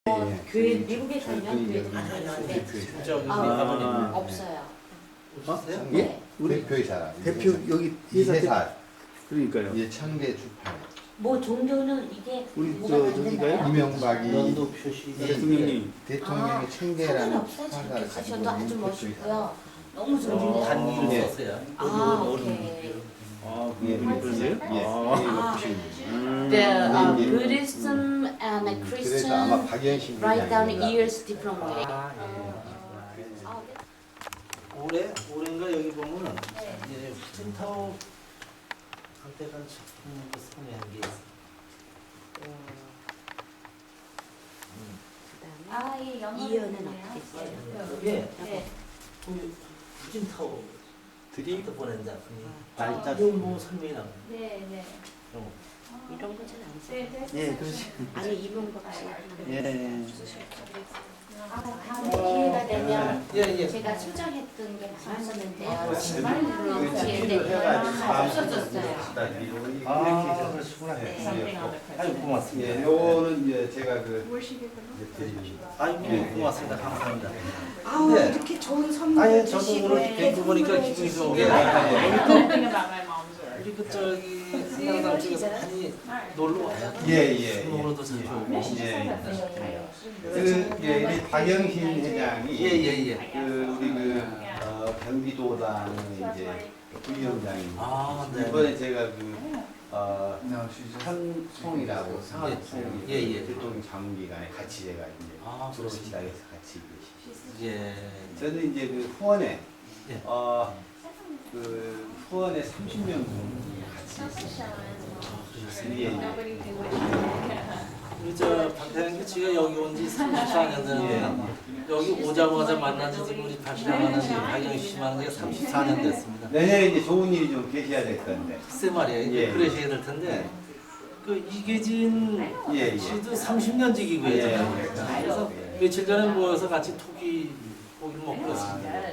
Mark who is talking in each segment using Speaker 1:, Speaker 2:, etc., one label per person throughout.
Speaker 1: 교회 미국에 살면 교회도 많은데
Speaker 2: 저기 가보니
Speaker 1: 없어요.
Speaker 2: 없으세요?
Speaker 1: 네.
Speaker 3: 예? 우리
Speaker 4: 대표이사라.
Speaker 3: 대표 여기 회사
Speaker 4: 이세사.
Speaker 3: 그러니까요.
Speaker 4: 이제 창대 주파에
Speaker 1: 뭐 종교는 이게
Speaker 3: 우리
Speaker 1: 뭐가
Speaker 3: 저
Speaker 1: 안
Speaker 3: 저기가요?
Speaker 1: 되나요?
Speaker 4: 이명박이
Speaker 2: 연도 표시
Speaker 3: 대통령님
Speaker 4: 대통령의 창대라는
Speaker 1: 상관없어요. 저렇게 가셔도 아주 멋있고요. 너무
Speaker 3: 아,
Speaker 1: 존중해요.
Speaker 2: 단위를
Speaker 4: 예.
Speaker 2: 썼어요.
Speaker 1: 아, 오케이.
Speaker 3: 아
Speaker 4: 예.
Speaker 3: 그러세요?
Speaker 4: 예.
Speaker 1: 아.
Speaker 3: 음.
Speaker 1: The
Speaker 4: 예.
Speaker 1: Buddhism and
Speaker 4: 그래서 아마
Speaker 1: Christian
Speaker 4: 박연신
Speaker 1: write down
Speaker 4: 회장인가.
Speaker 1: years different way.
Speaker 2: 아, 예.
Speaker 1: 아,
Speaker 2: 올해인가 여기 보면은 이제 후진타오 한때간 작품 선회한 게 있어요.
Speaker 1: 그다음에
Speaker 5: 예, 영어
Speaker 1: 이연은 어떻게 했어요?
Speaker 2: 이게
Speaker 5: 네.
Speaker 2: 후진타오
Speaker 4: 드림
Speaker 2: 또 보낸 작품이
Speaker 4: 날짜
Speaker 2: 이거 뭐 설명이 나와요.
Speaker 5: 네, 네.
Speaker 2: 그런 거.
Speaker 1: 이런 거 잘 안
Speaker 5: 네,
Speaker 1: 써요.
Speaker 5: 네.
Speaker 3: 예, 그렇지.
Speaker 1: 아니 이명박 씨.
Speaker 3: 예.
Speaker 1: 다음에 기회가 되면
Speaker 2: 예, 예.
Speaker 1: 제가 수정했던 게 많았었는데요.
Speaker 4: 그
Speaker 1: 기회
Speaker 4: 집필을
Speaker 1: 되면
Speaker 4: 해가지고
Speaker 1: 없어졌어요.
Speaker 4: 이렇게
Speaker 2: 아,
Speaker 4: 해서
Speaker 1: 네.
Speaker 2: 아유 고맙습니다.
Speaker 4: 예, 요거는 이제 제가 이제 드립니다.
Speaker 2: 아유
Speaker 4: 예.
Speaker 2: 고맙습니다. 감사합니다.
Speaker 1: 아우
Speaker 2: 네.
Speaker 1: 이렇게 좋은 선물
Speaker 2: 아예 저도
Speaker 1: 주시고
Speaker 2: 오늘
Speaker 1: 이렇게
Speaker 2: 뵙고 보니까
Speaker 1: 선물해
Speaker 2: 기분이
Speaker 1: 주시고.
Speaker 2: 좋은 게 우리 그 저기 한강 쪽에서 많이 놀러 와요.
Speaker 4: 예, 예.
Speaker 2: 수목으로도 자주 오고.
Speaker 4: 예. 이 박영신 회장이
Speaker 2: 예예예.
Speaker 4: 그 우리 경기도당 이제 부위원장입니다.
Speaker 2: 아 네.
Speaker 4: 이번에 제가 한송이라고 상하송
Speaker 2: 예, 예.
Speaker 4: 대통령 자문기관에 같이 제가 이제
Speaker 2: 아 그렇습니다.
Speaker 4: 수로시장에서 같이 계시죠.
Speaker 2: 예.
Speaker 4: 저는 이제 그 후원에
Speaker 2: 예.
Speaker 4: 후원에 30명 정도 같이 있어요. 예, 예.
Speaker 2: 우리 저 박태환 씨가 여기 온 지 34년 됐는데 여기 오자마자 만난 지 지금 우리 박태환 씨, 박영희 씨 만난 지가 34년 됐습니다.
Speaker 4: 내년에 이제 좋은 일이 좀 계셔야 될 건데.
Speaker 2: 글쎄 말이에요.
Speaker 4: 예.
Speaker 2: 그러셔야 될 텐데 그 이계진
Speaker 4: 예, 예.
Speaker 2: 씨도 30년지기고
Speaker 4: 예,
Speaker 2: 예잖아요.
Speaker 4: 예.
Speaker 2: 그래서 며칠 전에 모여서 같이 고기를 먹고 왔습니다.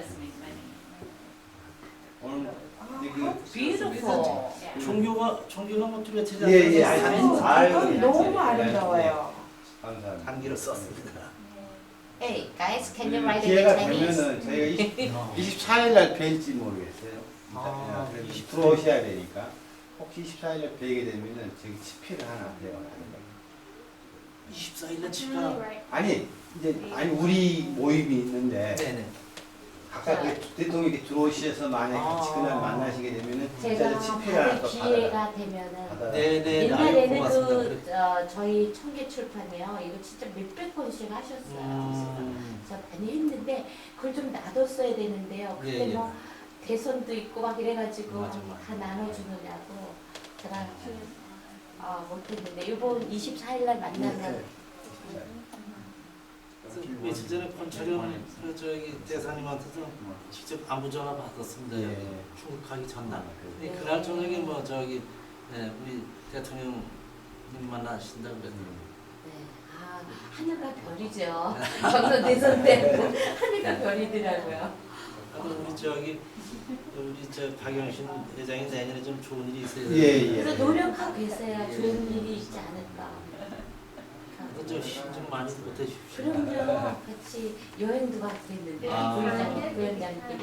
Speaker 4: 오늘 이제
Speaker 1: Beautiful.
Speaker 2: 종교가 뭐 뚜렷하지
Speaker 4: 예, 예.
Speaker 2: 않아서
Speaker 4: 아유,
Speaker 1: 너무 아름다워요.
Speaker 4: 감사합니다.
Speaker 2: 단기로 썼습니다.
Speaker 1: Hey guys, can you write it in
Speaker 4: 기회가
Speaker 1: Chinese?
Speaker 4: 되면은 저희가 24일 날 뵐지 모르겠어요.
Speaker 2: 아,
Speaker 4: 그래서
Speaker 2: 24일.
Speaker 4: 들어오셔야 되니까 혹시 24일 날 뵈게 되면은 저기 치필을 하나 해요.
Speaker 2: 24일날 치가
Speaker 4: 아니 우리 모임이 있는데
Speaker 2: 네네.
Speaker 4: 각각 그 대통령이 들어오셔서 만약에 같이 그날 만나시게 되면은
Speaker 1: 제가
Speaker 4: 진짜 치필을 하나
Speaker 1: 받을
Speaker 4: 또
Speaker 1: 기회가 되면은
Speaker 4: 받아라.
Speaker 2: 네네.
Speaker 1: 옛날에는
Speaker 2: 고맙습니다.
Speaker 1: 저희 청계 출판이요 이거 진짜 몇백 권씩 하셨어요. 그래서 많이 했는데 그걸 좀 놔뒀어야 되는데요. 그때
Speaker 2: 예, 예.
Speaker 1: 뭐 대선도 있고 막 이래가지고
Speaker 2: 맞아.
Speaker 1: 다 나눠주느냐고 제가 못했는데 이번 24일 날 만나면
Speaker 2: 며칠 전에 권철영 그 저기 대사님한테도 직접 안부 전화 받았습니다.
Speaker 4: 예.
Speaker 2: 출국하기 전날. 근데 그날 저녁에 뭐 저기 우리 대통령님 만나신다 그랬더니
Speaker 1: 네. 하늘과 별이죠. 정선 대선 때 하늘과 별이더라고요.
Speaker 2: 우리 저 박영신 회장이 내년에 좀 좋은 일이 있어야
Speaker 4: 예,
Speaker 2: 돼요.
Speaker 4: 예.
Speaker 1: 그래서 노력하고 계세요. 좋은 일이 있지 않을까.
Speaker 2: 좀힘좀 많이 보태 주십시오.
Speaker 1: 그럼요. 같이 여행도 가고 했는데
Speaker 2: 아.
Speaker 1: 부위원장끼리.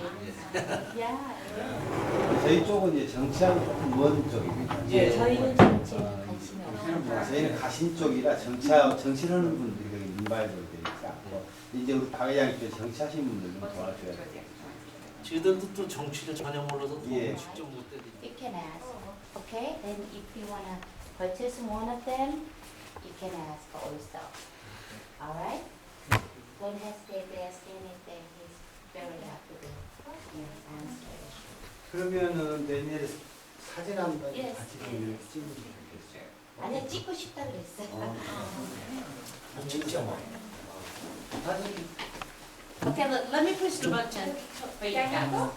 Speaker 4: 저희 쪽은 이제 정치하고 조금 먼 쪽입니다.
Speaker 2: 예.
Speaker 1: 저희는 정치에 관심이 없어요.
Speaker 4: 저희는 가신 쪽이라 정치하는 분들이 거기 민발적으로 되니까 이제 우리 박 회장님께서 정치하신 분들 좀 도와줘야 돼요.
Speaker 2: 저희들도 또 정치를 전혀 몰라서
Speaker 4: 예.
Speaker 2: 직접 못 되니까.
Speaker 1: You can ask. Okay? Then if you wanna purchase one of them, you can ask also. Alright? Don't hesitate to ask anything. He's very happy to answer.
Speaker 4: 그러면은 내년에 사진 한 번
Speaker 1: Yes.
Speaker 4: 같이 좀 이렇게 찍으면 좋겠어요.
Speaker 1: 아니 찍고 싶다 그랬어요.
Speaker 2: 진짜 뭐.
Speaker 4: 사진
Speaker 1: Okay, let me push the button for you guys.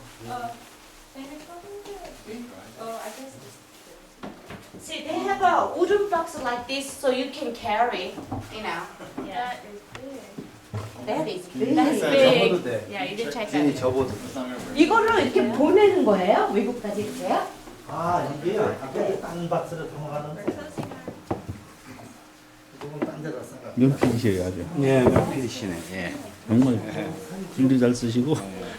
Speaker 1: See, they have a wooden box like this, so you can carry. You know.
Speaker 5: That is big.
Speaker 1: That is big.
Speaker 4: 접어도 돼.
Speaker 5: Yeah, you did check
Speaker 4: 진이
Speaker 5: that.
Speaker 4: 접어도.
Speaker 1: 이거를 이렇게 보내는 거예요? 외국까지 이렇게요?
Speaker 2: 이게요. 앞에 딴 박스를 담아가는데 조금 딴 데다 써가.
Speaker 3: 명필이셔요 아주.
Speaker 4: 예, 필이시네. 예.
Speaker 3: 정말 글도 잘 쓰시고.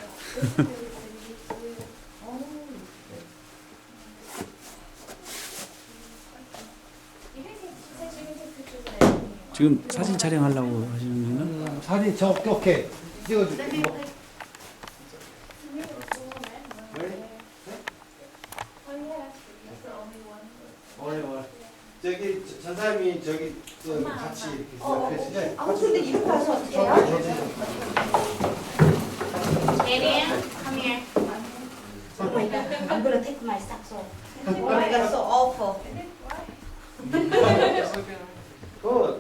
Speaker 3: 지금 사진 촬영하려고 하시는 거는?
Speaker 4: 사진 저 오케이. 찍어줄게. 저기 전사님이 저기 같이 이렇게
Speaker 1: 근데 이렇게 가서 어떻게 해요? Daniel, come here. Oh my god, I'm gonna take my socks off. Oh my god, so awful.
Speaker 4: 그